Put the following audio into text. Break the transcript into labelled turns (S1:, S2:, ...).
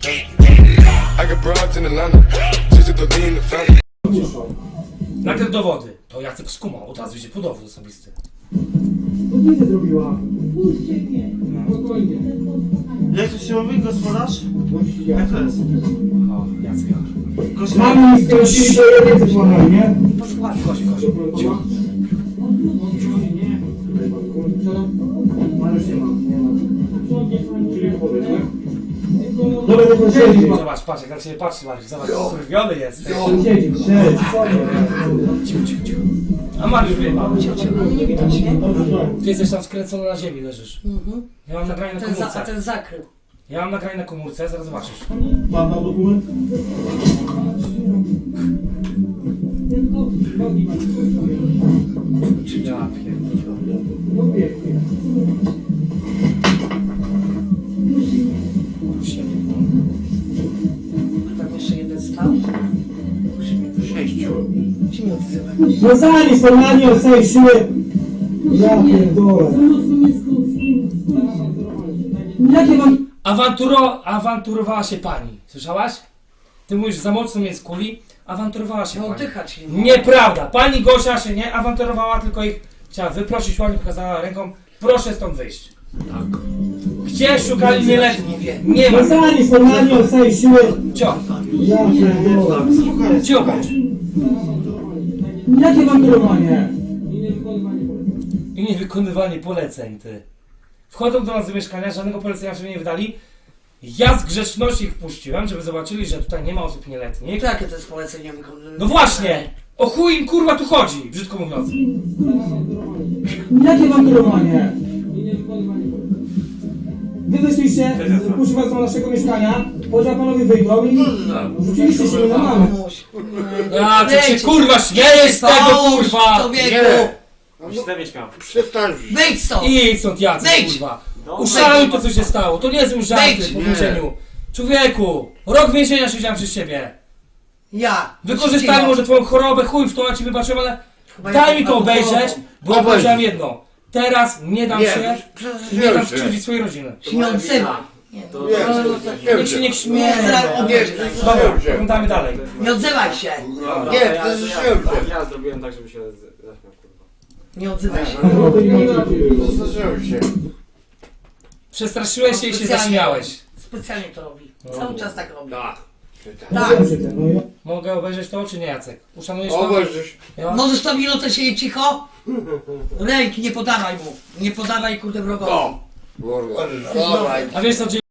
S1: I got broads in Atlanta, just to lean the family.
S2: Najpierw dowody. To Jacek skumał, od razu idzie po dowód osobisty.
S3: To nic nie zrobiła.
S4: Puśćcie mnie.
S3: Spokojnie.
S5: Jak to się mówi, gospodarz? Jak to jest?
S2: O, Jacek.
S3: Mamy mi stracili do jednej złamali, nie?
S2: Posłuchaj, chodź.
S3: Mariusz nie ma, nie ma. Czyli powiedz, nie? Dobra, to siedzi.
S2: Zobacz, patrz, jak na ciebie patrzy, Mariusz. Zobacz, skurwiony jest.
S3: Siedzi.
S2: Cicho. A Mariusz wie,
S4: Nie widać, nie?
S2: ty jesteś tam skręcony na ziemi, leżysz. Ja mam nagranie na
S4: A
S2: komórce.
S4: ten zakrył.
S2: Ja mam nagranie na komórce, zaraz zobaczysz.
S3: Pan dał dokument?
S2: Ja pierdolę.
S3: No pięknie.
S4: Tam jeszcze jeden stał. Się nie odzywa.
S3: No zanim formalnie ocenić siłę. Ja pierdolę. Jakie mam...
S2: Awanturowała się pani. Słyszałaś? Ty mówisz, za mocno mnie skuli. Awanturowała się
S4: No
S2: pani.
S4: oddychać nie.
S2: Nieprawda. Pani Gosia się nie awanturowała, tylko ich chciała wyprosić, ładnie pokazała ręką. Proszę stąd wyjść. Tak. Gdzie szukali nieletnich? Nie ma.
S3: No zanim formalnie ocenić siłę.
S2: Cio.
S3: Ja pierdolę.
S2: Cio bądź.
S3: Jakie mam kierowanie?
S2: I niewykonywanie poleceń, ty. Wchodzą do nas do mieszkania, żadnego polecenia sobie nie wydali. Ja z grzeczności ich wpuściłem, żeby zobaczyli, że tutaj nie ma osób nieletnich.
S4: To jakie to jest polecenie?
S2: No właśnie! O chuj im kurwa tu chodzi, brzydko mówiąc.
S3: Jakie mam kierowanie? Wy wyszliście, wpuścił was do naszego mieszkania, powiedział panowie wyjdą i rzuciliście się na mamę.
S2: A ty się kurwa śmiejesz z tego kurwa!
S4: Człowieku!
S6: Przestań.
S4: Wyjdź stąd!
S2: I stąd Jacek
S4: Wyjdź!
S2: kurwa. Uszaluj to co się stało, to nie są żarty
S4: Wyjdź!
S2: po więzieniu. Człowieku, rok więzienia siedziałem przez ciebie.
S4: Ja!
S2: Wykorzystali może twoją chorobę, chuj w to, ja ci wybaczyłem, ale daj mi to obejrzeć, bo ja powiedziałem jedno. Teraz nie dam się, nie dam skrzywdzić swojej rodziny.
S4: Się nie odzywa.
S2: Niech się nie
S4: Nie,
S2: śmieje.
S6: Dobra,
S2: Oglądamy dalej.
S4: nie odzywaj się!
S6: Nie, to jest śmieszne.
S7: Ja zrobiłem tak, żeby się zaśmiał, kurwa.
S4: Nie odzywaj się.
S6: Zdarzyłem się.
S2: Przestraszyłeś się i się zaśmiałeś.
S4: Specjalnie to robi. Cały czas tak robi.
S6: Tak.
S4: Tak.
S2: Mogę obejrzeć to, czy nie, Jacek? Uszanujesz to?
S6: Obejrzysz.
S2: Ja?
S4: Możesz to minutę siedzieć cicho? Ręki nie podawaj mu. Nie podawaj kurde wrogowi.
S6: O! Kurwa. Dawaj.
S2: A wiesz co,